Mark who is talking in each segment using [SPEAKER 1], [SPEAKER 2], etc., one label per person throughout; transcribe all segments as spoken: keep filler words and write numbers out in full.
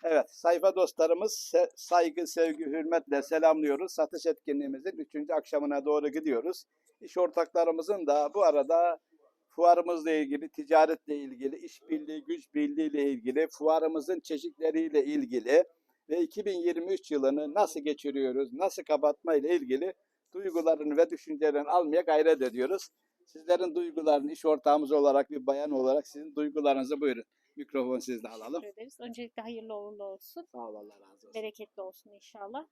[SPEAKER 1] Evet, sayfa dostlarımız se- saygı, sevgi, hürmetle selamlıyoruz. Satış etkinliğimizin üçüncü akşamına doğru gidiyoruz. İş ortaklarımızın da bu arada fuarımızla ilgili, ticaretle ilgili, işbirliği, güç birliği ile ilgili, fuarımızın çeşitleriyle ilgili ve iki bin yirmi üç yılını nasıl geçiriyoruz, nasıl kapatma ile ilgili duygularını ve düşüncelerini almaya gayret ediyoruz. Sizlerin duygularını iş ortağımız olarak, bir bayan olarak sizin duygularınızı buyurun. Mikrofon sizde alalım.
[SPEAKER 2] Teşekkür ederiz. Öncelikle hayırlı uğurlu olsun.
[SPEAKER 1] Sağ ol, Allah razı olsun.
[SPEAKER 2] Bereketli olsun inşallah.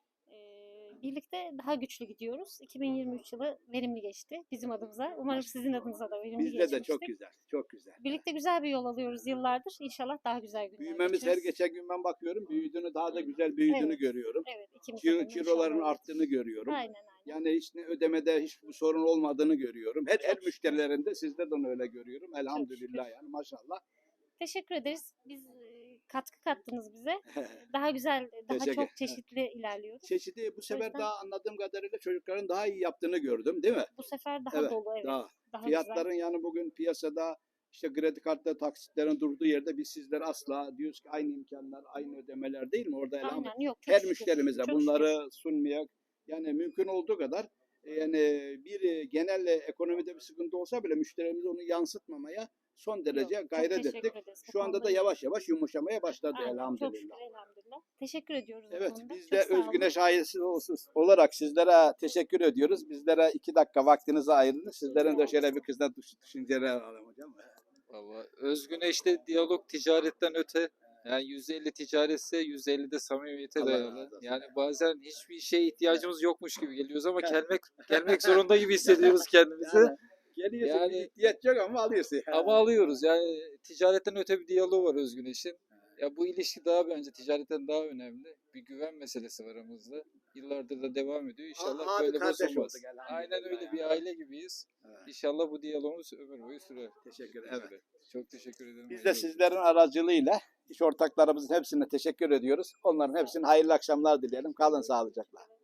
[SPEAKER 2] Ee, birlikte daha güçlü gidiyoruz. iki bin yirmi üç yılı verimli geçti bizim adımıza. Umarım sizin adınıza da verimli
[SPEAKER 1] Bizde
[SPEAKER 2] geçmiştir.
[SPEAKER 1] de çok güzel, çok güzel.
[SPEAKER 2] Birlikte güzel bir yol alıyoruz yıllardır. İnşallah daha güzel günler
[SPEAKER 1] Büyümemiz her
[SPEAKER 2] geçiririz.
[SPEAKER 1] geçen gün ben bakıyorum, büyüdüğünü, daha da güzel büyüdüğünü
[SPEAKER 2] Evet.
[SPEAKER 1] görüyorum.
[SPEAKER 2] Evet, ikimiz
[SPEAKER 1] Kilo,
[SPEAKER 2] adına
[SPEAKER 1] kiloların
[SPEAKER 2] inşallah
[SPEAKER 1] arttığını
[SPEAKER 2] öyledir.
[SPEAKER 1] görüyorum.
[SPEAKER 2] Aynen aynen.
[SPEAKER 1] Yani hiç ne ödemede hiçbir sorun olmadığını görüyorum. Her el
[SPEAKER 2] şükür.
[SPEAKER 1] müşterilerinde sizde de onu öyle görüyorum.
[SPEAKER 2] şükür.
[SPEAKER 1] Elhamdülillah yani maşallah.
[SPEAKER 2] Teşekkür ederiz. Biz e, katkı kattınız bize. Daha güzel, daha
[SPEAKER 1] Teşekkür-
[SPEAKER 2] çok çeşitli ilerliyoruz.
[SPEAKER 1] Çeşidi bu sefer
[SPEAKER 2] yüzden-
[SPEAKER 1] daha anladığım kadarıyla çocukların daha iyi yaptığını gördüm, değil mi?
[SPEAKER 2] Bu sefer daha
[SPEAKER 1] Evet,
[SPEAKER 2] dolu, evet.
[SPEAKER 1] daha.
[SPEAKER 2] Daha
[SPEAKER 1] Fiyatların
[SPEAKER 2] güzel.
[SPEAKER 1] yani bugün piyasada işte kredi kartları, taksitlerin durduğu yerde biz sizler asla diyoruz ki aynı imkanlar, aynı ödemeler değil mi? Orada elhamdülillah.
[SPEAKER 2] Aynen, yok. Çok
[SPEAKER 1] Her
[SPEAKER 2] şükür.
[SPEAKER 1] müşterimize
[SPEAKER 2] Çok
[SPEAKER 1] bunları sunmaya yani mümkün olduğu kadar e, yani bir e, genel e, ekonomide bir sıkıntı olsa bile müşterimize onu yansıtmamaya son derece
[SPEAKER 2] Yok, çok
[SPEAKER 1] gayret
[SPEAKER 2] teşekkür
[SPEAKER 1] ettik.
[SPEAKER 2] ederiz bu
[SPEAKER 1] Şu anda da
[SPEAKER 2] konuda.
[SPEAKER 1] yavaş yavaş yumuşamaya başladı
[SPEAKER 2] Aynen, çok
[SPEAKER 1] elhamdülillah.
[SPEAKER 2] şükür elhamdülillah. Teşekkür ediyoruz bu
[SPEAKER 1] Evet,
[SPEAKER 2] konuda.
[SPEAKER 1] biz
[SPEAKER 2] Çok
[SPEAKER 1] de
[SPEAKER 2] sağ olun.
[SPEAKER 1] Özgüneş ailesi olarak sizlere teşekkür ediyoruz. Bizlere iki dakika vaktinizi ayırdınız. Sizlerin de şöyle bir kızdan düşünceler alalım hocam.
[SPEAKER 3] Valla Özgüneş'te diyalog ticaretten öte. Yani yüzde elli ticaretse yüzde elli de samimiyete
[SPEAKER 1] Allah
[SPEAKER 3] dayalı.
[SPEAKER 1] razı olsun.
[SPEAKER 3] Yani bazen hiçbir şeye ihtiyacımız yokmuş gibi geliyoruz ama gelmek gelmek zorunda gibi hissediyoruz kendimizi.
[SPEAKER 1] Yani geliyorsun
[SPEAKER 3] Yani-
[SPEAKER 1] bir ihtiyaç yok ama alıyorsun.
[SPEAKER 3] Ama alıyoruz. Yani ticaretten öte bir diyaloğu var Özgüneş'in. Ya bu ilişki daha bence ticaretten daha önemli. Bir güven meselesi var aramızda. Yıllardır da devam ediyor. İnşallah
[SPEAKER 1] Abi
[SPEAKER 3] böyle
[SPEAKER 1] kardeş
[SPEAKER 3] bozulmaz.
[SPEAKER 1] olduk elhamdülillah
[SPEAKER 3] Aynen öyle
[SPEAKER 1] ya.
[SPEAKER 3] bir aile gibiyiz.
[SPEAKER 1] Evet.
[SPEAKER 3] İnşallah bu diyalogumuz ömür boyu sürer.
[SPEAKER 1] Teşekkür ederim.
[SPEAKER 3] Çok teşekkür ederim.
[SPEAKER 1] Biz de
[SPEAKER 3] Hayırlı
[SPEAKER 1] sizlerin aracılığıyla iş ortaklarımızın hepsine teşekkür ediyoruz. Onların hepsine hayırlı akşamlar dileyelim. Kalın sağlıcakla.